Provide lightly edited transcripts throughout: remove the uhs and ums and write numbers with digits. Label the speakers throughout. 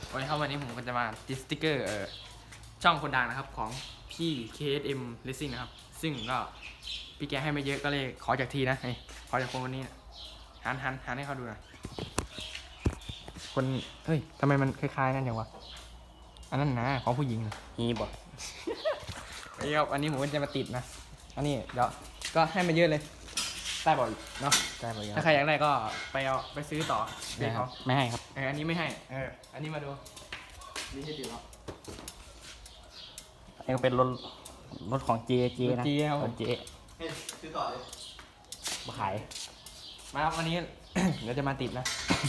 Speaker 1: โอ้ยครับวันนี้ผมก็จะมาติดสติ๊กเกอร์ช่องคนดังนะครับของพี่ KSM Racing นะครับซึ่งก็พี่แกให้ไม่เยอะก็เลยขอจากทีนะขอจากคนนี้นะหันให้เขาดูหน่อยคนเฮ้ยทำไมมันคล้ายๆนั่นอย่างวะอันนั้นนะของผู้หญิง
Speaker 2: ฮีบอ
Speaker 1: นี่ครับอันนี้ผมก็จะมาติดนะอันนี้เดี๋ยวก็ให้มาเยอะเลยได้บ่อยเนาะ
Speaker 2: ได้ปะยัง
Speaker 1: ถ้าใครอยากได้ก็ไปซื้อต่อเด็กเขา
Speaker 2: ไม่ให้ครับ
Speaker 1: อันนี้ไม่ให้อันนี้มาดูนี่ให้ติดแล้ว
Speaker 2: อันนี้ก็เป็นรถของเจนะ
Speaker 1: รถ J ครับผม
Speaker 2: เจ
Speaker 3: ซื้อต่อเลย
Speaker 2: มาขาย
Speaker 1: มาครับวันนี้ เดี๋ยวจะมาติดนะ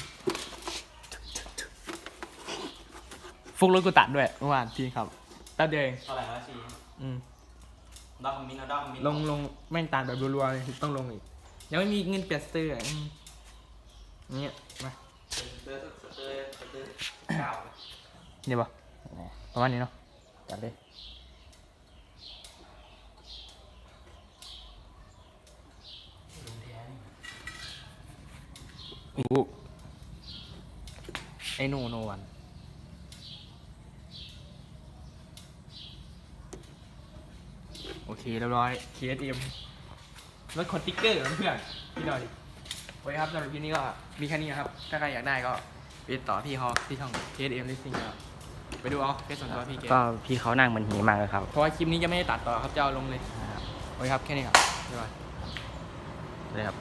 Speaker 1: ฟุกรถกูตัดด้วยเมื่อวานทีครับแป๊บเดียวเอง
Speaker 3: เท่าไหร่นะชี
Speaker 1: อืม
Speaker 3: ดอกมินเอาดอกมิน
Speaker 1: ลงแม่งตัดแบบรัวๆเลยต้องลงอีกยังไม่มีเงินเปลี่ยนสเตอร์เนี่ยมา
Speaker 3: สเตอร์เก่า
Speaker 1: เนี่ยปะประมาณนี้เนาะ
Speaker 2: จัดเลย
Speaker 1: โอ้ไอโนวันโอเคเรียบร้อย KSM รถคอนติ๊กเกอร์เพื่อนพี่ดอยโอเคครับสำหรับคลิปนี้ก็มีแค่นี้นะครับ ถ้าใครอยากได้ก็ไปติดต่อพี่เขาที่ช่อง KSM Racing ครับไปดูเอาแค่ส่วนตัวพี่เก
Speaker 2: ก็พี่เขานั่งเหมือนหีมากเลยครับ
Speaker 1: เพราะว่าคลิปนี้จะไม่ได้ตัดต่อครับจะเอาลงเลยโอเคครับแค่นี้ครับบ๊ายบาย
Speaker 2: เลยครับ